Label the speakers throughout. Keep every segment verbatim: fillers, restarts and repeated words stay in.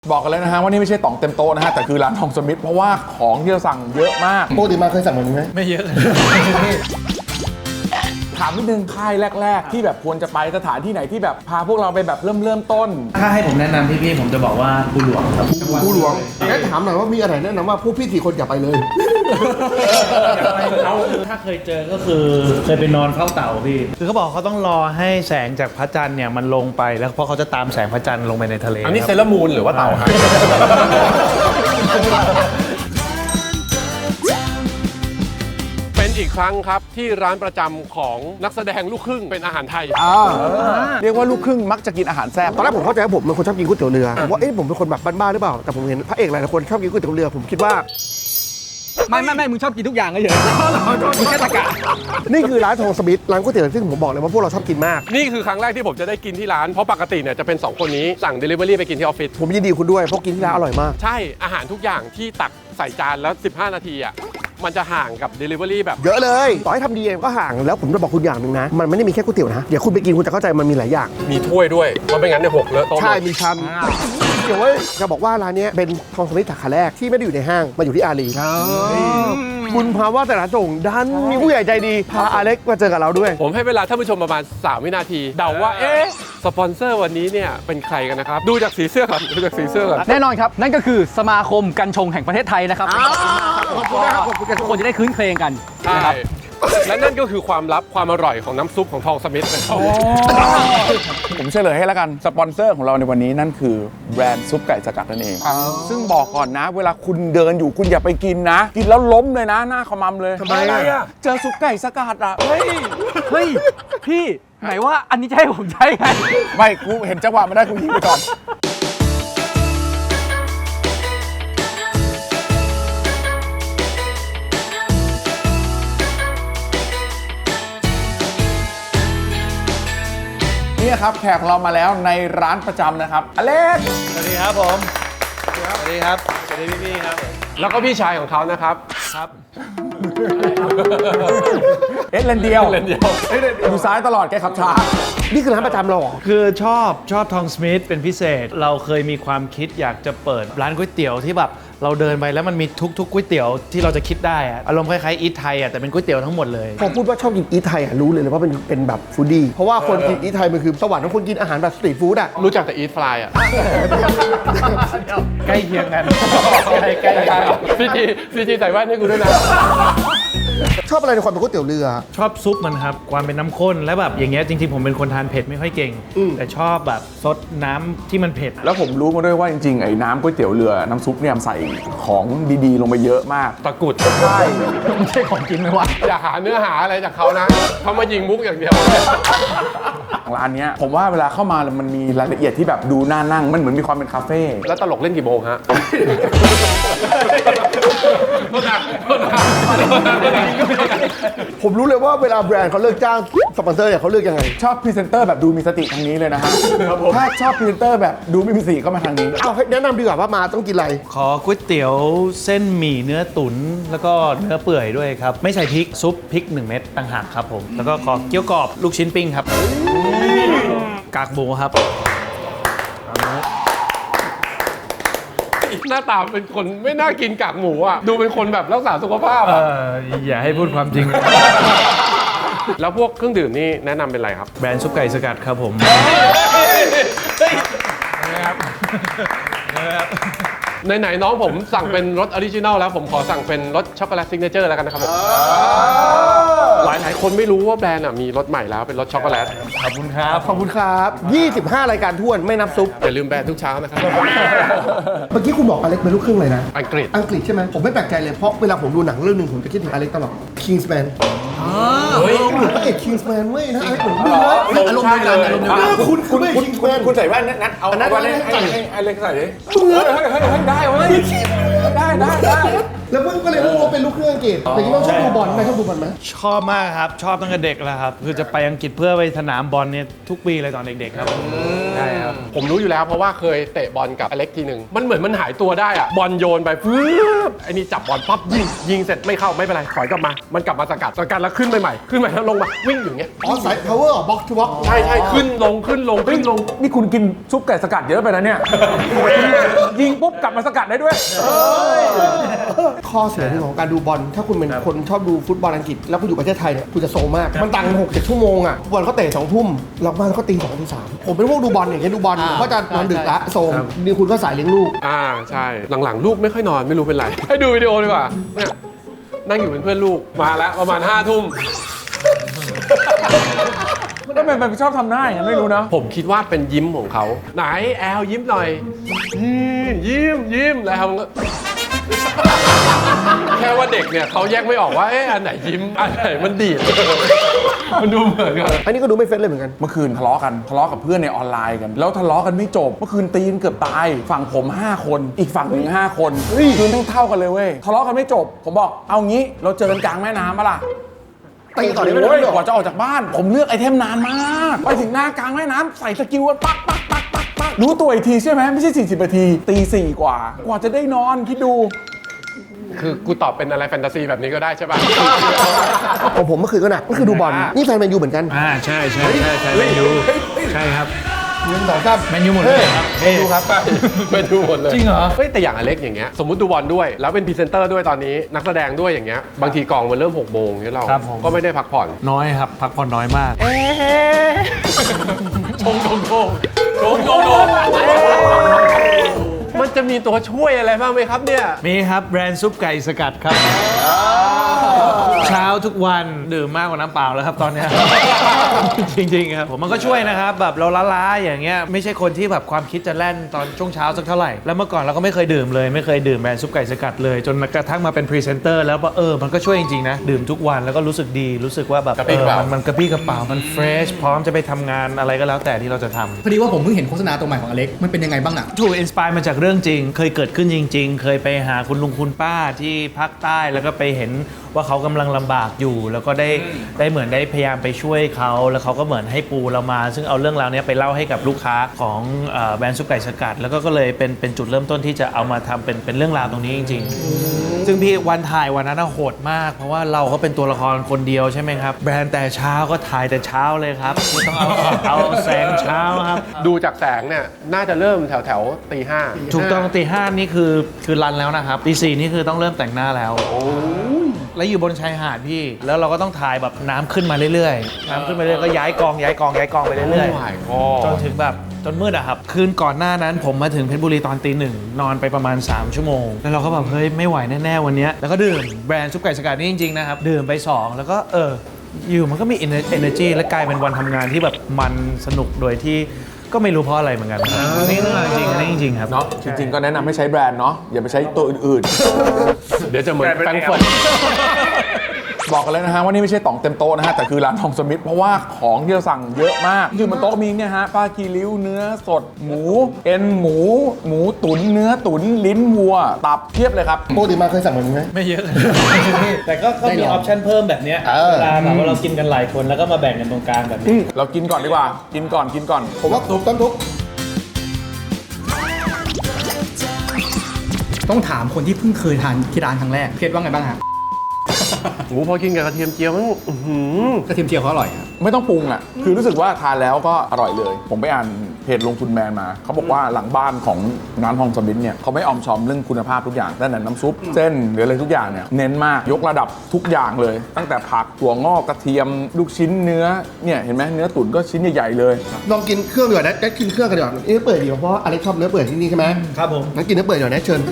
Speaker 1: บอกกันเลยนะฮะว่านี่ไม่ใช่ต่องเต็มโต๊ะนะฮะแต่คือร้านทองสมิธเพราะว่าของที่เราสั่งเยอะมาก
Speaker 2: ปกติมาเคยสั่งแบบนี้ไหม
Speaker 3: ไม่เยอะ
Speaker 1: ถามนิดนึงค่ายแรกๆที่แบบควรจะไปสถานที่ไหนที่แบบพาพวกเราไปแบบเริ่มเริ่มต้น
Speaker 3: ถ้าให้ผมแนะนำพี่ๆผมจะบอกว่าภูหลวงครับ
Speaker 2: ภูหลวงงั้นถามหน่อยว่ามีอะไรแนะนำว่าพวกพี่สี่คนอย่าไปเลย
Speaker 3: เขาถ้าเคยเจอก็คือเคยไปนอนเฝ้าเต่าพี่คือเขาบอกเขาต้องรอให้แสงจากพระจันทร์เนี่ยมันลงไปแล้วเพราะเขาจะตามแสงพระจันทร์ลงไปในทะเล
Speaker 4: อันนี้เซเลอร์มูนหรือว่าเต่าครับเป็นอีกครั้งครับที่ร้านประจำของนักแสดงลูกครึ่งเป็นอาหารไทย
Speaker 1: เรียกว่าลูกครึ่งมักจะกินอาหารแซ่บ
Speaker 2: ตอนแรกผมเข้าใจว่าผมเป็นคนชอบกินก๋วยเตี๋ยวเรือว่าเอ๊ะผมเป็นคนแบบบ้าๆหรือเปล่าแต่ผมเห็นพระเอกหลายคนชอบกินก๋วยเตี๋ยวเรือผมคิดว่า
Speaker 3: ไม่ไม่ไม่มึงชอบกินทุกอย่างก็เยอะมึงแค่ตะกะ
Speaker 2: นี่คือร้านทองสมิธร้านก๋วยเตี๋ยวซึ่งผมบอกเลยว่าพวกเราชอบกินมาก
Speaker 4: นี่คือครั้งแรกที่ผมจะได้กินที่ร้านเพราะปกติเนี่ยจะเป็นสองคนนี้สั่ง Delivery ไปกินที่ออฟฟิศ
Speaker 2: ผมยินดีคุณด้วยเพราะกินที่ร้านอร่อยมาก
Speaker 4: ใช่อาหารทุกอย่างที่ตักใส่จานแล้วสิบห้านาทีอ่ะมันจะห่างกับ Delivery แบบ
Speaker 2: เยอะเลยต่อให้ทำดีเองก็ห่างแล้วผมจะบอกคุณอย่างหนึ่งนะมันไม่ได้มีแค่ก๋วยเตี๋ยวนะเดี๋ยวคุณไปกินคุณจะเข้าใจมันมีหลายอย่าง
Speaker 4: มีถ้วยด้วยเพราะไม่งั้นเนี่ยหกเลอะโต๊ะ
Speaker 2: ใช่มีชามเดี๋ยวว่าจะบอกว่าร้านนี้เป็นทองสมิธสาขาแรกที่ไม่ได้อยู่ในห้างมาอยู่ที่อารีคุณพาว่าแต่ละส่งดันมีผู้ใหญ่ใจดีพาอเล็กมาเจอกับเราด้วย
Speaker 4: ผมให้เวลาท่านผู้ชมประมาณสามวินาทีเดาว่าเอ๊ะสปอนเซอร์วันนี้เนี่ยเป็นใครกันนะครับดูจากสีเสื้อก่อนดูจากสีเสื้อก่อน
Speaker 5: แน่นอนครับนั่นก็คือสมาคมกัญชงแห่งประเทศไทยนะครับ
Speaker 2: ขอบคุณนะครับขอบคุณ
Speaker 5: ทุกคนจะได้คืนเครงกัน
Speaker 4: นะครับและนั่นก็คือความลับความอร่อยของน้ำซุปของทองสมิธนะครับ
Speaker 1: ผมเฉลยให้แล้วกันสปอนเซอร์ของเราในวันนี้นั่นคือแบรนด์ซุปไก่สกัดนั่นเองซึ่งบอกก่อนนะเวลาคุณเดินอยู่คุณอย่าไปกินนะกินแล้วล้มเลยนะหน้าขมำเลย
Speaker 2: ทำไมอ่ะ
Speaker 1: เจอซุปไก่สกัดอ่ะ
Speaker 5: เฮ้ยเฮ้ยพี่ไหนว่าอันนี้จะให้ผมใช้ไง
Speaker 1: ไม่กูเห็นจังหวะมันได้กูยิงไปก่อนนี่ครับแขกของเรามาแล้วในร้านประจำนะครับอเล็ก
Speaker 3: สวัสดีครับผมสวัสดีครับสวัสดีพี่ๆครับ
Speaker 4: แล้วก็พี่ชายของเขานะครับ
Speaker 3: ครับ
Speaker 1: เอ็ดเลนเดียว
Speaker 4: เลนเดียว
Speaker 1: อยู่ซ้ายตลอดแกขับช้า
Speaker 2: นี่คือร้านประจำเราเหรอ
Speaker 3: คือชอบชอบทองสมิธเป็นพิเศษเราเคยมีความคิดอยากจะเปิดร้านก๋วยเตี๋ยวที่แบบเราเดินไปแล้วมันมีทุกๆก๋วยเตี๋ยวที่เราจะคิดได้อะอารมณ์คล้ายๆอีทไทยอะแต่เป็นก๋วยเตี๋ยวทั้งหมดเลย
Speaker 2: พอพูดว่าชอบกินอีทไทยอะรู้เลยเลยว่าเป็นเป็นแบบฟู้ดดี้เพราะว่าคนกินอีทไทยมันคือสวรรค์ของคนกินอาหารแบบสตรีทฟู้ดอะ
Speaker 4: รู้จักแต่อีทฟลายอะ
Speaker 3: ใกล้เคียงกัน
Speaker 4: ใกล้กันซีจีซีจีใส่แว่นให้กูด้วยนะ
Speaker 2: ชอบอะไรในความเป็นก๋วยเตี๋ยวเรือ
Speaker 3: ชอบซุปมันครับความเป็นน้ำข้นและแบบอย่างเงี้ยจริงๆผมเป็นคนทานเผ็ดไม่ค่อยเก่งแต่ชอบแบบซดน้ำที่มันเผ็ด
Speaker 1: แล้วผมรู้มาด้วยว่าจริงๆไอ้น้ำก๋วยเตี๋ยวเรือน้ำซุปเนี่ยใส่ของดีๆลงไปเยอะมาก
Speaker 4: ตะกุด
Speaker 1: ใช่
Speaker 3: ไม่ใช่ของกินไหมวะ
Speaker 4: อย่าหาเนื้อหาอะไรจากเขานะเขามายิงมุกอย่างเดียว
Speaker 1: ร้านนี้ผมว่าเวลาเข้ามามันมีรายละเอียดที่แบบดูน่านั่งมันเหมือนมีความเป็นคาเฟ่
Speaker 4: แล้วตลกเล่นกี่โมงฮะ
Speaker 2: ผมรู้เลยว่าเวลาแบรนด์เขาเลือกจ้างสปอนเซอร์เนี่ยเขาเลือกยังไง
Speaker 1: ชอบพรีเซนเตอร์แบบดูมีสติทางนี้เลยนะฮะถ้าชอบพรีเซนเตอร์แบบดูไม่มีสติก็มาทางนี้
Speaker 2: เอาแนะนำดีกว่าว่ามาต้องกินอะไร
Speaker 3: ขอก๋วยเตี๋ยวเส้นหมี่เนื้อตุ๋นแล้วก็เนื้อเปื่อยด้วยครับไม่ใส่พริกซุปพริกหนึ่งเม็ดต่างหากครับผมแล้วก็ขอเกี๊ยวกรอบลูกชิ้นปิ้งครับกากหมูครับ
Speaker 4: หน้าตาเป็นคนไม่น่ากินกากหมูอ่ะดูเป็นคนแบบรักษาสุขภาพอ่ะ
Speaker 3: อย่าให้พูดความจริง
Speaker 4: แล้วพวกเครื่องดื่มนี่แนะนำเป็นอะไรครับ
Speaker 3: แบรนด์ซุปไก่สกัดครับผม
Speaker 4: ไหนๆน้องผมสั่งเป็นรสออริจินัลแล้วผมขอสั่งเป็นรสช็อกโกแลตซิกเนเจอร์แล้วกันนะครับหลายหลายคนไม่รู้ว่าแบรนด์มีรสใหม่แล้วเป็นรสช็อกโกแลต
Speaker 3: ขอบคุณครับ
Speaker 2: ขอบคุณครับยี่สิบห้ารายการท้วนไม่นับซุป
Speaker 4: อย่าลืมแบรนด์ทุกเช้านะครับ
Speaker 2: เมื่อกี้คุณบอกอเล็กเป็นลูกครึ่งเลยนะ
Speaker 4: อังกฤษ
Speaker 2: อังกฤษใช่ไหมผมไม่แปลกใจเลยเพราะเวลาผมดูหนังเรื่องนึงผมจะคิดถึงอเล็กตลอด Kingsman เฮ้ยเหมือนพระเอก Kingsman เว้ยนะอเล็กเหมือนดูเลยอารมณ์เดียวกันอารมณ์เดียวกันคุณคุณคุณ
Speaker 1: คุณใส่แว่นนัดเอาแว่นให้อเล็กใส่ดิเฮ้ยเฮ้ยเฮ้ยได้เว้ยได้ได้ได้
Speaker 2: แล้วเพิ่งก็เลยรู้ว่าเป็นลูกครึ่งอังกฤษแต่ที่ต้องชอบดูบอลไหมชอบดูบอลไหม
Speaker 3: ชอบมากครับ ชอบตั้งแต่เด็กแล้วครับ คือจะไปอังกฤษเพื่อไปสนามบอลเนี่ยทุกปีเลยตอนเด็กๆครับใช่ครับ
Speaker 4: ผมรู้อยู่แล้วเพราะว่าเคยเตะบอลกับอเล็กทีหนึ่งมันเหมือนมันหายตัวได้อะบอลโยนไปฟื้บไอ้นี่จับบอลปั๊บยิงยิงเสร็จไม่เข้าไม่เป็นไรถอยกลับมามันกลับมาสกัดสกัดแล้วขึ้นไปใหม่ขึ้นไปแล้วลงมาวิ่งอยู่เงี้ย
Speaker 2: อ๋อสาย power บ็อกทูบ็อก
Speaker 4: ใช่ใช่ขึ้นลงขึ้นลงขึ้นลง
Speaker 1: นี่คุณกินซุปไก่สกัดเยอะไปนะเนี่ย ยิงปุ๊บกลับมาสกัดได้ด้วย
Speaker 2: ข้อเสียของการดูบอลถ้าคุณเป็นคนชอบดูฟุตบอลอังกฤษแล้วคุณอยู่ประเทศไทยเนี่ยคุณจะโซมมากมันต่างหกเจ็ดชั่วโมงอ่ะบอลเขาเตะสองทุ่มเราบ้านเขาตีสองตีสามผมเป็นพวกดูบอลอย่างเงี้ยดูบอลผมก็จะนอนดึกละโซมนี่คุณก็สายเลี้ยงลูก
Speaker 4: อ่าใช่หลังๆลูกไม่ค่อยนอนไม่รู้เป็นไรให้ดูวิดีโอดีกว่าเนี่ยนั่งอยู่เป็นเพื่อนลูกมาแล้วประมาณห้าทุ่ม
Speaker 1: ทำไมมันชอบทำหน้าอย่างนั้นไม่รู้นะ
Speaker 4: ผมคิดว่าเป็นยิ้มของเขาไหนแอลยิ้มหน่อยยิ้มยิ้มยิ้มแล้วมันก็ แค่ว่าเด็กเนี่ยเขาแยกไม่ออกว่าเอ๊ะอันไหนยิ้มอันไหนมันดีด มันดูเหมือนกัน
Speaker 2: อันนี้ก็ดูไม่เฟ้นเลยเหมือนกัน
Speaker 1: เมื่อคืนทะเลาะกันทะเลาะกับเพื่อนในออนไลน์กัน แล้วทะเลาะกันไม่จบ เมื่อคืนตีกันเกือบตาย ฝั่งผมห้าคน อีกฝั่งหนึ่งห้าคนคืนทั้งเท่ากันเลยเว้ย ทะเลาะกันไม่จบ ผมบอกเอางี้เราเจอกันกลางแม่น้ำปะล่ะ
Speaker 2: ตีต่อได้ไหม
Speaker 1: โอ้ยกว่าจะออกจากบ้าน ผมเลือกไอเทมนานมาก ไปถึงหน้ากลางแม่น้ำใส่สกิลกันปักปักปักปักปักรู้ตัวอีกทีใช่ไหมไม่ใช่สี่สิบนาทีตีสี่กว่า กว่าจะได้นอนคิดดู
Speaker 4: คือกูตอบเป็นอะไรแฟนตาซีแบบนี้ก็ได้ใช่ป่ะ
Speaker 2: ของผมเมื่อคืนก็หนักก็คือดูบอลนี่แฟนแมนยูเหมือนกัน
Speaker 3: อ่าใช่ใช่ใช่ใช่แมนยูใช่ครับ
Speaker 2: หนึ่งสองสาม
Speaker 3: แมนยูหมดเลยครับ
Speaker 2: เฮ้ยดูครับ
Speaker 4: ไปดูหมดเลย
Speaker 3: จริงเหรอ
Speaker 4: เฮ้ยแต่อย่างอเล็กอย่างเงี้ยสมมติดูบอลด้วยแล้วเป็นพรีเซนเตอร์ด้วยตอนนี้นักแสดงด้วยอย่างเงี้ยบางทีกองมันเริ่มหกโมงเนี่ยเรา
Speaker 3: ครับผม
Speaker 4: ก็ไม่ได้พักผ่อน
Speaker 3: น้อยครับ พักผ่อนน้อยมาก
Speaker 4: ชงชงชงชงชงชงมันจะมีตัวช่วยอะไรบ้างไหมครับเนี่ย
Speaker 3: มีครับแบรนด์ซุปไก่สกัดครับ เช้าทุกวันดื่มมากกว่าน้ำเปล่าแล้วครับตอนเนี้ย จริงๆครับผมมันก็ช่วยนะครับแบบเราล้าๆอย่างเงี้ยไม่ใช่คนที่แบบความคิดจะแล่นตอนช่วงเช้าสักเท่าไหร่แล้วเมื่อก่อนเราก็ไม่เคยดื่มเลยไม่เคยดื่มแบรนด์ซุปไก่สกัดเลยจนกระทั่งมาเป็นพรีเซนเตอร์แล้วเออมันก็ช่วยจริงๆนะดื่มทุกวันแล้วก็รู้สึกดีรู้สึกว่าแบบ
Speaker 4: กระปรี้
Speaker 3: เอก
Speaker 4: ระ
Speaker 3: อ
Speaker 4: เป๋า
Speaker 3: มันมันกระปรี้กระเป๋ามันเฟรชพร้อมจะไปทำงานอะไรก็แล้วแต่ที่เราจะทำ
Speaker 5: พอดีว่าผมเพิ่งเห็นโฆษณาตัวใหม่ของอเล็กมันเป็นยังไงบ้างอ่ะ
Speaker 3: ถูกอินสปายมาจากเรื่องจริง เคยเกิดขึ้นจริง ๆ เคยไปหาคุณลุงคุณป้าที่ภาคใต้แล้วก็ไปเห็นว่าเขากำลังลำบากอยู่ แล้วก็ได้ได้เหมือนได้พยายามไปช่วยเขาแล้วเขาก็เหมือนให้ปูเรามา ซึ่งเอาเรื่องราวนี้ไปเล่าให้กับลูกค้าของเอ่อแบรนด์ซุปไก่สกัด แล้วก็ก็เลยเป็นเป็นจุดเริ่มต้นที่จะเอามาทำเป็นเป็นเรื่องราวตรงนี้จริง ๆ ซึ่งพี่วันถ่ายวันนั้นน่ะโหดมาก เพราะว่าเราก็เป็นตัวละครคนเดียวใช่ไหมครับแบรนด์แต่เช้าก็ถ่ายแต่เช้าเลยครับไม่ต้องเอาเอาแสงเช้าครับ
Speaker 4: ดูจากแสงเนี่ยน่าจะเริ่มแถวแถวตีห้า
Speaker 3: ถูกต้องตีห้านี่คือคือรันแล้วนะครับตีสี่นี่คือต้องเริ่มแต่งหน้าแล้วแล้วอยู่บนชายหาดพี่ แล้วเราก็ต้องถ่ายแบบน้ำขึ้นมาเรื่อยๆ น้ำขึ้นมาเรื่อยๆก็ย้ายกองย้ายกองย้ายกองไปเรื่อย
Speaker 4: โอ้ my
Speaker 3: ๆ จ
Speaker 4: god
Speaker 3: นถึงแบบจนมืดอะครับ คืนก่อนหน้านั้นผมมาถึงเพชรบุรีตอนตีหนึ่งนอนไปประมาณ สาม ชั่วโมง แล้วเราก็แบบเฮ้ยไม่ไหวแน่ๆวันเนี้ยแล้วก็ดื่มแบรนด์ซุปไก่สกัดนี่จริงๆนะครับดื่มไปสองแล้วก็เอออยู่มันก็มี energy และกลายเป็นวันทำงานที่แบบมันสนุกโดยที่ก็ไม่รู้เพราะอะไรเหมือนกันนี่เรื่องจริงๆอันนี้จริงๆครับ
Speaker 1: เนาะจริงๆก็แนะนำให้ใช้แบรนด์เนาะอย่าไปใช้ตัวอื่น
Speaker 4: เดี๋ยวจะเหมือนแฟรงก์เฟิร์ต
Speaker 1: ๆ บอกกันเลยนะฮะว่านี่ไม่ใช่ต่องเต็มโต๊ะนะฮะแต่คือร้านทองสมิธเพราะว่าของที่เราสั่งเยอะมากอยู่บนโต๊ะมีเนี่ยฮะปลากีริ้วเนื้อสดหมูเอ็นหมู หมูตุ๋นเนื้อตุ๋นลิ้นวัว ตับเทียบเลยครับ
Speaker 2: ปกติมาเคยสั่งแบบนี้ไหม
Speaker 3: ไม่เยอะ แต่ก็ก็มีออปชั่นเพิ่มแบบเนี้ย
Speaker 2: เออ
Speaker 3: เวลาแบบว่าเรากินกันหลายคนแล้วก็มาแบ่งกันตรงกลางแบบนี้
Speaker 1: เรากินก่อนดีกว่า กินก่อนกินก่อน
Speaker 2: ผมว่าทุบต้องทุบ
Speaker 5: ต้องถามคนที่เพิ่งเคยทานที่ร้านครั้งแรกเคสว่าไงบ้างฮะ
Speaker 4: โอ้โหพอกินกับกระเทียมเจียวมันอื้อหือก
Speaker 5: ระเทียมเจียวเขาอร่อยครับ
Speaker 1: ไม่ต้องปรุงอ่ะคือรู้สึกว่าทานแล้วก็อร่อยเลย ผมไปอ่านเพจลงทุนแมนมาเขาบอกว่าหลังบ้านของร้านทองสมิธเนี่ยเขาไม่ออมชอมเรื่องคุณภาพทุกอย่างตั้งแต่น้ำซุปเส้นหรืออะไรทุกอย่างเนี่ยเน้นมากยกระดับทุกอย่างเลย ตั้งแต่ผักถั่วงอกกระเทียมลูกชิ้นเนื้อเนี่ยเห็นไหมเนื้อตุ๋นก็ชิ้นใหญ่ๆเลย
Speaker 2: ลองกินเครื่องดีกว่านะได้กินเครื่องกันดีกว่าเนื้อเปื่อยดีกว่าเพราะอเล็กชอบเนื้อเปื่อยที่นี่ใช่ไหม
Speaker 3: ครับผม
Speaker 2: งั้นกินเนื้อเปื่อยหน่อยนะเชิญ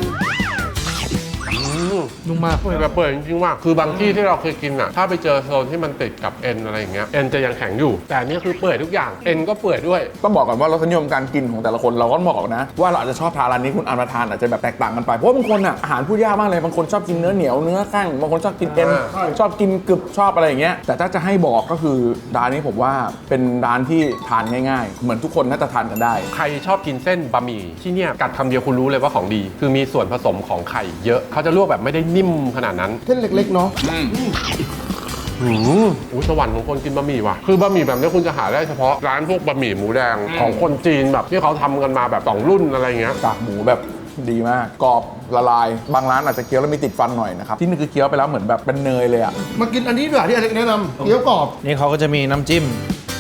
Speaker 5: นุ่มมาก
Speaker 4: เปื่อยแบบเปื่อยจริงๆว่าคือบางที่ที่เราเคยกินอ่ะถ้าไปเจอโซนที่มันติดกับเอ็นอะไรอย่างเงี้ยเอ็นจะยังแข็งอยู่แต่อันนี่คือเปื่อยทุกอย่างเอ็นก็เปื่อยด้วย
Speaker 1: ต้องบอกก่อนว่ารสนิยมการกินของแต่ละคนเราก็บอกนะว่าเราอาจจะชอบทานร้านนี้คุณอ่านมาทานอาจจะแบบแตกต่างกันไปเพราะว่าบางคนอ่ะอาหารพูดยากมากเลยบางคนชอบกินเนื้อเหนียวเนื้อแข้งบางคนชอบกินเอ็น
Speaker 4: อ่า
Speaker 1: ชอบกินกรึบชอบอะไรอย่างเงี้ยแต่ถ้าจะให้บอกก็คือร้านนี้ผมว่าเป็นร้านที่ทานง่ายๆ เหมือนทุกคนน่าจะทานกันได้
Speaker 4: ใครชอบกินเส้นบะหมี่ที่เนี่ยกัดคำเดียวคุณรู้เลยว่าของดี คือมีส่วนผสมของไข่เยอะเขาจะลวกแบบไม่ได้ได้นิ่มขนาดนั้น
Speaker 2: เส้นเล็กๆเนาะ
Speaker 4: อืมโอ้สวรรค์ของคนกินบะหมี่ว่ะคือบะหมี่แบบนี้คุณจะหาได้เฉพาะร้านพวกบะหมี่หมูแดงของคนจีนแบบที่เขาทำกันมาแบบสองรุ่นอะไรเงี้ย
Speaker 1: กากหมูแบบดีมากกรอบละลายบางร้านอาจจะเคี้ยวแล้วมีติดฟันหน่อยนะครับที่นี่คือเคี้ยวไปแล้วเหมือนแบบเป็นเนยเลยอ่ะ
Speaker 2: มากินอันนี้ดีกว่าที่อเล็กแนะนำเกี๊ยวกรอบ
Speaker 3: นี่เขาก็จะมีน้ำจิ้ม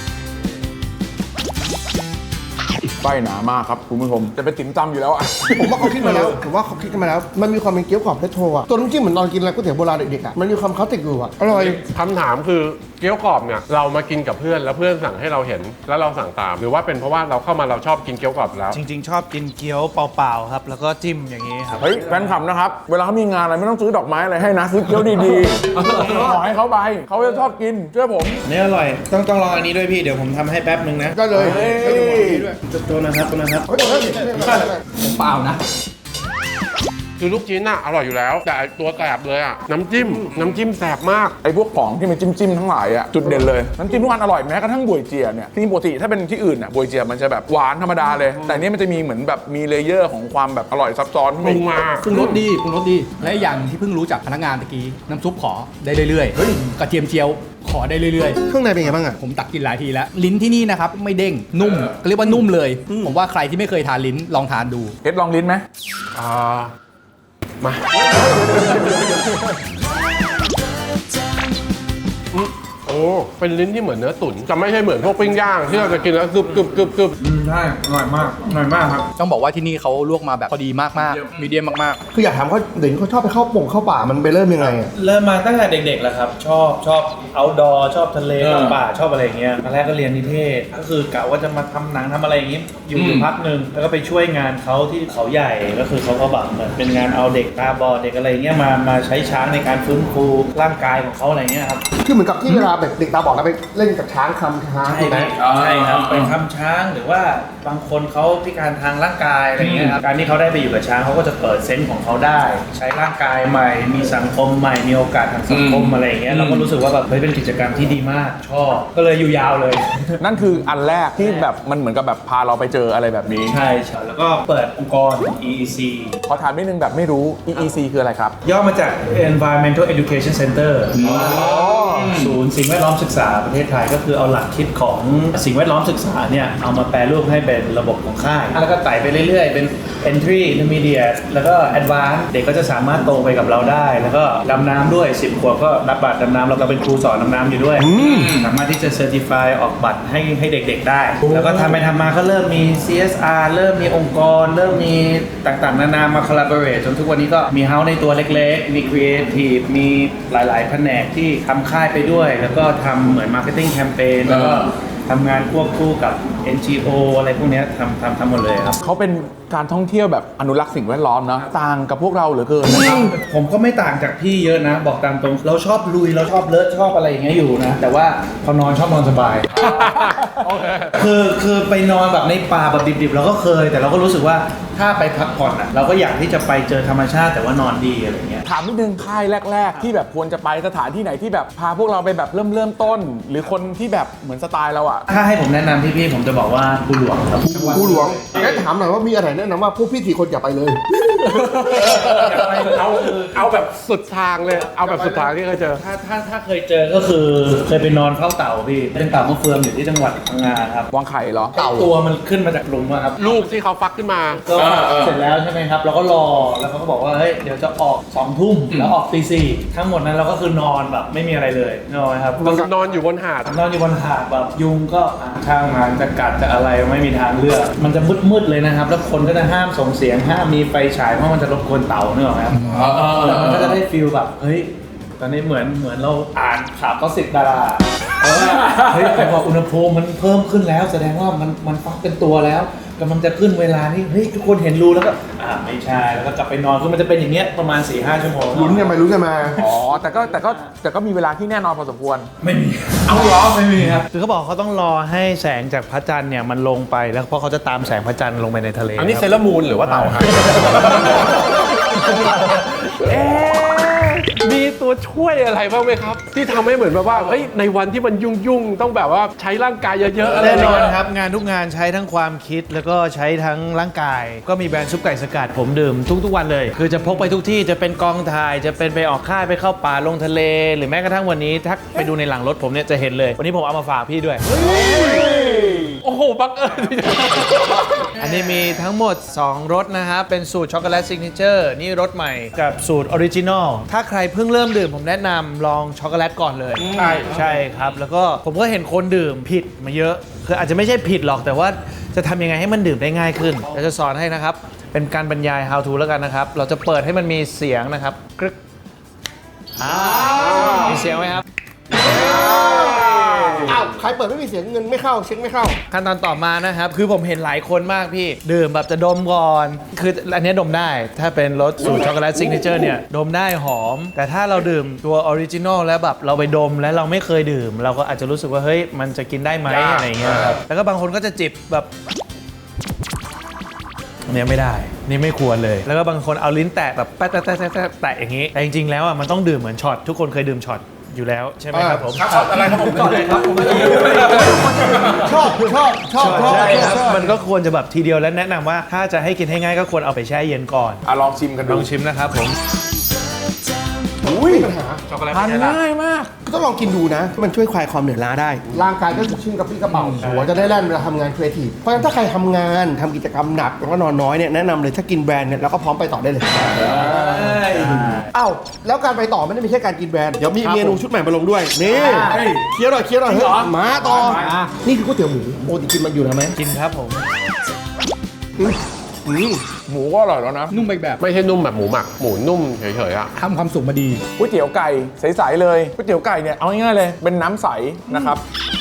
Speaker 1: ไส้หนามากครับคุณผู้ชมจะเป็นติ่มซำอยู่แล้วอ่ะ
Speaker 2: ผมว่าเขาคิดมาแล้วผมว่าเขาคิดกันมาแล้ว มันมีความเป็นเกี๊ยวกรอบเพชรโทอ่ะตัวน้ำจิ้มเหมือนตอนกินอะไรก๋วยเตี๋ยวโบราณเด็กๆอ่ะมันมีความคลาสสิกอยู่อ่ะอร่อย
Speaker 4: คำถามคือเกี๊ยวกรอบเนี่ยเรามากินกับเพื่อนแล้วเพื่อนสั่งให้เราเห็นแล้วเราสั่งตาม หรือว่าเป็นเพราะว่าเราเข้ามาเราชอบกินเกี๊ยวกรอบแล้ว
Speaker 3: จริง ๆ ชอบกินเกี๊ยวเปล่าๆครับแล้วก็จิ้มอย่างนี้ครับ
Speaker 1: เฮ้ยแฟนคลับนะครับเวลาเขามีงานอะไรไม่ต้องซื้อดอกไม้อะไรให้นะซื้อเกี๊ยวดีๆขอให้เขาไปเขาจะชอบกินเชื่อผม
Speaker 3: อันนี้อร่อยต้องต้องลองอันนี้ด้วยพี่เดี๋ยวผมทำให้แป๊บนึงนะ
Speaker 2: ได้เลย
Speaker 1: เฮ้ย
Speaker 2: ให้ดูหมดนี้ด้วย
Speaker 3: ตัวนะครับตัวนะครับ
Speaker 2: เฮ้ยเฮ้ยเฮ้ยเฮ้ยเฮ้ย
Speaker 5: ผมเปล่านะ
Speaker 4: คือลูกชิ้นน่ะอร่อยอยู่แล้ว แต่ไอ้ตัวแสบเลยอ่ะน้ำจิ้มน้ำจิ้มแสบมาก
Speaker 1: ไอ้พวกของที่มันจิ้มๆทั้งหลายอ่ะจุดเด่นเลยน้ำจิ้มทุกอันอร่อยแม้กระทั่งบวยเจียเนี่ยที่ปกติถ้าเป็นที่อื่นอ่ะบวยเจียมันจะแบบหวานธรรมดาเลย แต่อันนี้มันจะมีเหมือนแบบมีเลเยอร์ของความแบบอร่อยซับซ้อน
Speaker 4: ปรุงมา
Speaker 5: ปรุงรสดีปรุงรสดี และอีกอย่างที่เพิ่งรู้จากพนักงานตะกี้ น้ำซุปขอได้เรื่อยๆเฮ้ยกระเทียมเจียวขอได้เรื่อย
Speaker 2: เครื่องในเป็นไงบ้างอ่ะ
Speaker 5: ๆ ผมตักกินหลายทีแล้ว ลิ้นที่นี่นะครับ ไม่เด้ง นุ่มก็เรียกว่านุ่มเลย ผมว่าใครที่ไม่เคยทานลิ้นลองทานดู
Speaker 1: เอ็ดลองลิ้นไหม
Speaker 4: อ่ามาอืมโอ้เป็นลิ้นที่เหมือนเนื้อตุ๋นจะไม่ใช่เหมือนพวกปิ้งย่างที่เราจะกินแล้วกรึบกรึบกรึบกรึบ
Speaker 3: ใช่อร่อยมากอร่อยมากครับ
Speaker 5: ต้องบอกว่าที่นี่เขาลวกมาแบบพอดีมากๆมีเดียมมาก
Speaker 2: คืออยากถามเขาเดี๋ยวนี้เขาชอบไปเข้าป่งเข้าป่ามันไปเริ่มยังไงอ่ะ
Speaker 3: เริ่มมาตั้งแต่เด็กๆแล้วครับ ชอบชอบ outdoor ชอบทะเลชอบป่าชอบอะไรอย่างเงี้ยตอนแรกก็เรียนนิเทศก็คือกะว่าจะมาทำหนังทำอะไรอย่างงี้อยู่อยู่พักหนึ่งแล้วก็ไปช่วยงานเขาที่เขาใหญ่ก็คือเขาก็แบบเหมือนเป็นงานเอาเด็กตาบอดเด็กอะไรเงี้ยมามาใช้ช้างในการฟื้นฟูร่างกายของเขาอะไรเงี้ยครับ
Speaker 2: คือเหมือนกับที่เวลาแบบเด็กตาบอดแล้วไปเล่นกับช้างคำช้าง
Speaker 3: ใช่
Speaker 2: ถูกไหม
Speaker 3: ใช่ครับเป็นคำช้างหรือว่าบางคนเขาพิการทางร่างกายอะไรเงี้ยครับการที่เขาได้ไปอยู่กับช้างเขาก็จะเปิดเซนส์ของเขาได้ ใช้ร่างกายใหม่ มีสังคมใหม่มีโอกาสทางสังคมอะไรเงี้ยเราก็รู้สึกว่าแบบเฮ้ยเป็นกิจกรรมที่ดีมากชอบก็เลยอยู่ยาวเลย
Speaker 1: นั่นคืออันแรกที่แบบมันเหมือนกับแบบพาเราไปเจออะไรแบบนี้
Speaker 3: ใช่ใช่แล้วก็เปิดองค์กร อี อี ซี
Speaker 1: ขอถามนิดนึงแบบไม่รู้ อี อี ซี คืออะไรครับ
Speaker 3: ย่อมาจาก Environmental Education Center ศูนย์สิ่งแวดล้อมศึกษาประเทศไทยก็คือเอาหลักคิดของสิ่งแวดล้อมศึกษาเนี่ยเอามาแปลรูปให้เป็นระบบของค่ายแล้วก็ไต่ไปเรื่อยๆ เป็น Entry Intermediate แล้วก็ Advanced เด็กก็จะสามารถโตไปกับเราได้ แล้วก็ดำน้ำด้วย สิบ ขวบก็รับบัตรดำน้ำเราก็เป็นครูสอนดำน้ำอยู่ด้วย สามารถที่จะ Certify ออกบัตรให้ให้เด็กๆได้ แล้วก็ทำไปทำมาก็เริ่มมี ซี เอส อาร์ เริ่มมีองค์กร เริ่มมีต่างๆ นานามา collaborate จนทุกวันนี้ก็มีเฮ้าในตัวเล็กๆ มี Creative มีหลายๆแผนกที่ทำค่ายไปด้วย แล้วก็ทำเหมือน Marketing Campaign แล้วก็ทำงานควบคู่กับ เอ็น จี โอ อะไรพวกเนี้ยทำทำทำหมดเลยครับ
Speaker 1: เขาเป็นการท่องเที่ยวแบบอนุรักษ์สิ่งแวดล้อมเนาะต่างกับพวกเราเหลือเกินนะครับ
Speaker 3: ผมก็ไม่ต่างจากพี่เยอะนะ บอกตามตรง เราชอบลุยเราชอบเลอะชอบอะไรอย่างเงี้ยอยู่นะ แต่ว่าพอนอนชอบนอนสบาย
Speaker 4: โอเค
Speaker 3: คือคือไปนอนแบบในป่าแบบดิบๆเราก็เคย แต่เราก็รู้สึกว่าถ้าไปพักผ่อนอ่ะเราก็อยากที่จะไปเจอธรรมชาติแต่ว่านอนดีอะไรเงี้ย
Speaker 1: ถามนิดนึงค่ายแรก ๆ ที่แบบควรจะไปสถานที่ไหนที่แบบพาพวกเราไปแบบเริ่มเริ่มต้น หรือคนที่แบบเหมือนสไตล์เราอะ
Speaker 3: ถ้าให้ผมแนะนำพี่ๆผมจะบอกว่าภูหลวงครับ
Speaker 2: กูหลวงงั้นถามหน่อยว่ามีอะไรแนะนำว่าพวกพี่สี่คนอย่าไปเลย
Speaker 4: เอาเอาแบบสุดทางเลย เอาแบบสุดทางที่เคยเจอ
Speaker 3: ถ้าถ้าถ้าเคยเจอก็คือเคยไปนอนเฝ้าเต่าพี่เป็นเต่ามะเฟืองอยู่ที่จังหวัดพังงาครับ
Speaker 1: วางไข่เหรอ
Speaker 3: ตัวมันขึ้นมาจากหลุมอะครับ
Speaker 4: ลูกที่เขาฟักขึ้นมา
Speaker 3: ก็เสร็จแล้วใช่ไหมครับเราก็รอแล้วเขาก็บอกว่าเฮ้ยเดี๋ยวจะออกสองทุ่มแล้วออกตีสี่ทั้งหมดนั้นเราก็คือนอนแบบไม่มีอะไรเลยนอนครับ
Speaker 4: นอนอยู่บนหาด
Speaker 3: นอนอยู่บนหาดแบบยุงก็ช่างมันจะกัดจะอะไรไม่มีทางเลือกมันจะมืดๆเลยนะครับแล้วคนก็จะห้ามส่งเสียงห้ามมีไฟฉายเพราะมันจะรบกวนเต่าเนกอะครับแล้วมันก็จะได้ฟีลแบบเฮ้ยตอนนี้เหมือนเหมือนเราอ่านข่าวก็สิบดาราเพราะว่าเฮ้ยแต่พออุณหภูมิมันเพิ่มขึ้นแล้วแสดงว่ามันมันฟักเป็นตัวแล้วกำลังจะขึ้นเวลานี่เฮ้ยทุกคนเห็นรูแล้วก็อ่าไม่ใช่แล้วก็กลับไปนอนคือมันจะเป็นอย่างเงี้ยประมาณ สี่ห้า ชั่วโมง
Speaker 2: ลุ้นกันไปลุ้นกันมา
Speaker 1: อ๋อ แต่ก็แต่ก็แต่ก็มีเวลาที่แน่นอนพอสมควร
Speaker 3: ไม่มีเอาเหรอไม่มีครับคือเขาบอกเขาต้องรอให้แสงจากพระจันทร์เนี่ยมันลงไปแล้วเพราะเขาจะตามแสงพระจันทร์ลงไปในทะเล
Speaker 4: อันนี้
Speaker 3: ค
Speaker 4: เซ
Speaker 3: รับ
Speaker 4: เลอร์มูนหรือว่าเต่าครับ
Speaker 1: เอ๊ะ
Speaker 4: มีตัวช่วยอะไรบ้างไหมครับ ที่ทำให้เหมือนแบบว่าเฮ้ยในวันที่มันยุ่งๆต้องแบบว่าใช้ร่างกายเยอะๆอะไร
Speaker 3: แน่นอน
Speaker 4: ย่างเงี้ย
Speaker 3: ครับงานทุกงานใช้ทั้งความคิดแล้วก็ใช้ทั้งร่างกาย ก็มีแบรนด์ซุปไก่สกัดผมดื่มทุกๆวันเลย คือจะพกไปทุกที่จะเป็นกองถ่ายจะเป็นไปออกค่ายไปเข้าป่าลงทะเล หรือแม้กระทั่งวันนี้ถ้าไปดูในหลังรถผมเนี่ยจะเห็นเลย วันนี้ผมเอามาฝากพี่ด้วย
Speaker 4: โอ้โหบังเอิญ
Speaker 3: อันนี้มีทั้งหมด สอง รสนะครับ เป็นสูตรช็อกโกแลตซิกเนเจอร์นี่รสใหม่กับสูตรออริจินอลถ้าใครเพิ่งเริ่มดื่มผมแนะนำลองช็อกโกแลตก่อนเลย
Speaker 4: ใช่
Speaker 3: ใช่ครับ แล้วก็ผมก็เห็นคนดื่มผิดมาเยอะ คืออาจจะไม่ใช่ผิดหรอกแต่ว่าจะทำยังไงให้มันดื่มได้ง่ายขึ้นเราจะสอนให้นะครับ เป็นการบรรยาย how to แล้วกันนะครับ เราจะเปิดให้มันมีเสียงนะครับกรึกอ่ามีเสียงไหมครับ
Speaker 2: อ้าวใครเปิดไม่มีเสียงเงินไม่เข้าเช็คไม่เข้า
Speaker 3: ขั้นตอนต่อมานะครับ คือผมเห็นหลายคนมากพี่ ดื่มแบบจะดมก่อน คืออันนี้ดมได้ ถ้าเป็นรสสูตรช็อกโกแลตซิกเนเจอร์เนี่ย ดมได้หอม แต่ถ้าเราดื่มตัวออริจินอลแล้วแบบเราไปดมแล้วเราไม่เคยดื่ม เราก็อาจจะรู้สึกว่า เฮ้ย มันจะกินได้ไหมอะไรอย่างเงี้ยครับ แล้วก็บางคนก็จะจิบแบบอันเนี้ยไม่ได้ นี่ไม่ควรเลย แล้วก็บางคนเอาลิ้นแตะแบบแปะแตะแตะแตะแตะแตะอย่างนี้ แต่จริงๆแล้วอ่ะมันต้องดื่มเหมือนช็อต ทุกคนเคยดื่มช็อตอยู่แล้วใช่ไหมครับผม
Speaker 1: ครับอะไรครับผมก่อนเลยครับผม
Speaker 2: ชอบชอบชอบชอบ
Speaker 3: ใช่ครับ
Speaker 2: ชอบ
Speaker 3: มันก็ควรจะแบบทีเดียวและแนะนำว่าถ้าจะให้กินให้ง่ายก็ควรเอาไปแช่เย็นก่อน
Speaker 1: อ่ะลองชิมกัน
Speaker 3: ล
Speaker 1: ดู
Speaker 3: องชิมนะครับผม
Speaker 2: อุ้ยปัญหา
Speaker 4: ช็อกโกแลต
Speaker 1: ทานง่ายมาก
Speaker 2: ก็ต้องลองกินดูนะ มันช่วยคลายความเหนื่อยล้าได้ ร่างกายก็สดชื่นกระปรี้กระเป๋าหัวจะได้แล่นเวลาทำงานครีเอทีฟเพราะฉะนั้นถ้าใครทำงานทำกิจกรรมหนักแล้วก็นอนน้อยเนี่ยแนะนำเลยถ้ากินแบรนด์เนี่ยแล้วก็พร้อมไปต่อได้เลยอ้าวแล้วการไปต่อไม่ได้มีแค่การกินแบรนด์เดี๋ยวมีเมนูชุดใหม่มาลงด้วยนี่เคี้ยวหน่อยเคี้ยวหน่อยเฮ้ยมาต่อนี่คือก๋วยเตี๋ยวหมูโอ้ติกินมันอยู่นะไหม
Speaker 3: กินครับผม
Speaker 1: หมูก็อร่อยแล้วนะ
Speaker 5: นุ่มไปอีกแบบ
Speaker 4: ไม่ใช่นุ่มแบบหมูหมัก หมูนุ่มเฉยๆอ่ะ
Speaker 5: ทำความสุขมาดี
Speaker 1: ก๋วยเตี๋ยวไก่ใสๆเลยก๋วยเตี๋ยวไก่เนี่ยเอาง่ายๆเลยเป็นน้ำใสนะครับ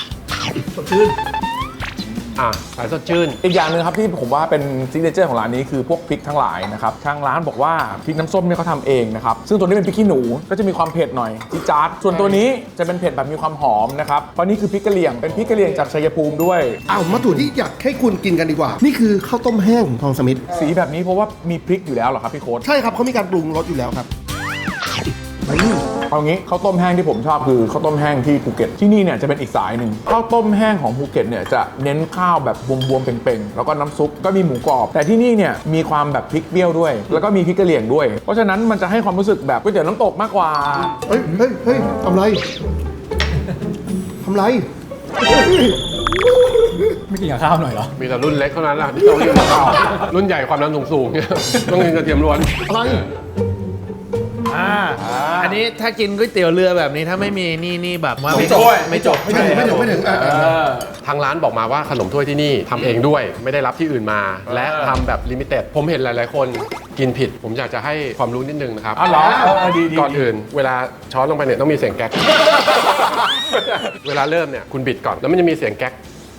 Speaker 4: อ่ะสายสดชื่น
Speaker 1: อีกอย่างหนึ่งครับที่ผมว่าเป็นซิกเนเจอร์ของร้านนี้คือพวกพริกทั้งหลายนะครับทางร้านบอกว่าพริกน้ำส้มเนี่ยเขาทำเองนะครับซึ่งตัวนี้เป็นพริกขี้หนูก็จะมีความเผ็ดหน่อยจี๊ดจ๊าดส่วนตัวนี้จะเป็นเผ็ดแบบมีความหอมนะครับเพราะนี่คือพริกกะเหรี่ยงเป็นพริกกะเหรี่ยงจากชัยภูมิด้วย
Speaker 2: อ้าวมาถูที่อยากให้คุณกินกันดีกว่า นี่คือข้าวต้มแห้งของทองสมิธ
Speaker 1: สีแบบนี้เพราะว่ามีพริกอยู่แล้วเหรอครับพี่โค้ด
Speaker 2: ใช่ครับเขามีการปรุงรสอยู่แล้วครับ
Speaker 1: เอางี้ข้าวต้มแห้งที่ผมชอบคือข้าวต้มแห้งที่ภูเก็ตที่นี่เนี่ยจะเป็นอีกสายหนึ่งข้าวต้มแห้งของภูเก็ตเนี่ยจะเน้นข้าวแบบบวมๆเป่งๆแล้วก็น้ำซุปก็มีหมูกรอบแต่ที่นี่เนี่ยมีความแบบพริกเปรี้ยวด้วย แล้วก็มีพริกกะเหรี่ยงด้วย เพราะฉะนั้นมันจะให้ความรู้สึกแบบก๋วยเตี๋ยวน้ำตกมากกว่า
Speaker 2: เฮ้ยเฮ้ยเฮ้ยทำไรทำไร
Speaker 5: ไม่กินกับข้าวหน่อยเหรอ
Speaker 4: มีแต่รุ่นเล็กเท่านั้นแหละที่ต้องกินกับข้าวรุ่นใหญ่ความดันสูงๆเนี่ยต้องกินกระเทียมล้วน
Speaker 2: อะไร
Speaker 3: อ่า อันนี้ถ้ากินก๋วยเตี๋ยวเรือแบบนี้ถ้าไม่มีนี่นี่แบบว่าไม่
Speaker 1: ไม่จบ
Speaker 3: ไม่จบ
Speaker 2: ไม่ถึงไม่ถึงไม่ถึงอ่ะอ่ะอ่ะ
Speaker 4: ทางร้านบอกมาว่าขนมถ้วยที่นี่ทำเองด้วย ไม่ได้รับที่อื่นมา และทำแบบลิมิเต็ดผมเห็นหลายๆ คนกินผิด ผมอยากจะให้ความรู้นิดนึงนะครับ
Speaker 1: อ๋อเหรอเออเออดีดี
Speaker 4: ก่อนอื่น เวลาช้อนลงไปเนี่ยต้องมีเสียงแก๊ก เวลาเริ่มเนี่ยคุณบิดก่อนแล้วมันจะมีเสียงแก๊ก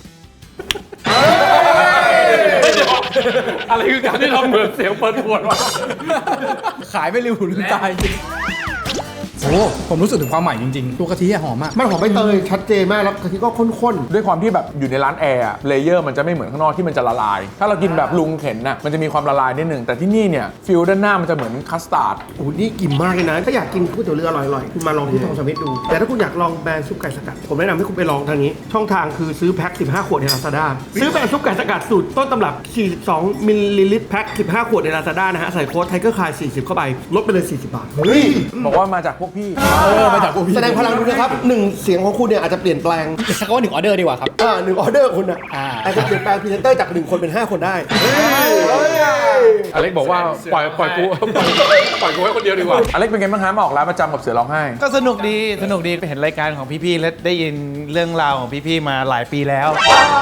Speaker 4: อะไรคือการที่เราเหมือนเสียงเปิดขวดวะ
Speaker 5: ขายไม่ริวหูลืมตายจริงโอ้ผมรู้สึกถึงความใหม่จริงๆ ตัวกะทิอะหอมมาก
Speaker 2: มันหอมใบเตยชัดเจนมากแล้วกะทิก็ข้น
Speaker 1: ด้วยความที่แบบอยู่ในร้านแอร์เลเยอร์มันจะไม่เหมือนข้างนอกที่มันจะละลาย ถ้าเรากินแบบลุงเข็นน่ะมันจะมีความละลายนิดนึงแต่ที่นี่เนี่ยฟิลด้านหน้ามันจะเหมือนคัสตาร์ด
Speaker 2: ๆโอ้โหนี่กินมากเลยนะ ถ้าอยากกินก๋วยเตี๋ยวเรืออร่อยๆ คุณมาลองที่ทองสมิธดู แต่ถ้าคุณอยากลองแบรนด์ซุปไก่สกัด ผมแนะนำให้คุณไปลองทางนี้ ช่องทางคือซื้อแพ็คสิบห้าขวดใน Lazada ซื้อแบรนด์ซุปไก่สกัดสูตรต้นตำรับสี่สิบสองมิลลิลิตรแพ็คสิบห้าขวดใน Lazada นะฮะใส่โค้ดไทเกอร์คายสี่สิบเข้าไปลดไปเลยสี่สิบบาทเฮ้ย
Speaker 1: บอกว่ามาจากพวกพี่
Speaker 5: เออ มาจากพวกพี่
Speaker 2: แสดงพลังดูนะครับหนึ่งเสียงของคุณเนี่ยอาจจะเปลี่ยนแปลง
Speaker 5: สักว่าหนึ่งออเดอร์ดีกว่าครับ
Speaker 2: อ่าหนึ่งออเดอร์คุณอ่ะ
Speaker 5: อ่า
Speaker 2: อาจจะเปลี่ยนแปลงพรีเซนเตอร์จากหนึ่งคนเป็นห้าคนได้
Speaker 4: อเล็กบอกว่าปล่อยปล่อยกูปล่อยปล่อยกูไว้คนเดียวดีกว่า
Speaker 1: อเล็กเป็นไงบ้างฮะมาออกร้านประจำกับเสือร้องไห้
Speaker 3: ก็สนุกดีสนุกดีไปเห็นรายการของพี่ๆและได้ยินเรื่องราวของพี่ๆมาหลายปีแล้ว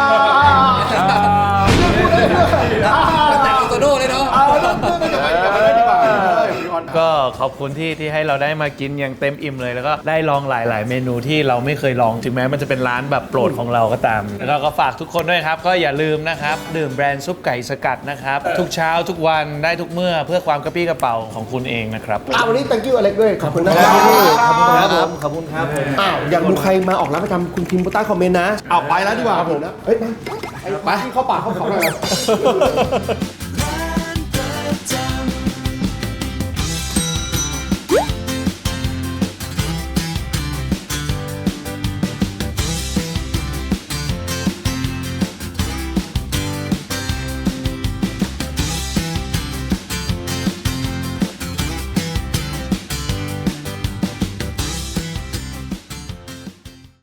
Speaker 5: แต่เอาโตโน่เลยเนาะ
Speaker 3: ก็ขอบคุณที่ที่ให้เราได้มากินอย่างเต็มอิ่มเลยแล้วก็ได้ลองหลาย ๆ เมนูที่เราไม่เคยลองถึงแม้มันจะเป็นร้านแบบโปรดของเราก็ตาม แล้วก็ก็ฝากทุกคนด้วยครับ ก็อย่าลืมนะครับ ดื่มแบรนด์ซุปไก่สกัดนะครับ ทุกเช้าทุกวันได้ทุกเมื่อเพื่อความกระปี้กระเป๋าของคุณเองนะครับ
Speaker 2: อ่าวันนี้ thank you อเล็กด้วย ขอบคุณนะครับ
Speaker 3: ขอบคุณครับผมขอบคุณครับผม
Speaker 2: อ้าวอยากดูใครมาออกร้านประจำคุณพิมพ์ใต้คอมเมนต์นะอ้าวไปแล้วดีกว่าผมนะเฮ้ยมาไอ้ไปที่เข้าปากเข้าเขาหน่อย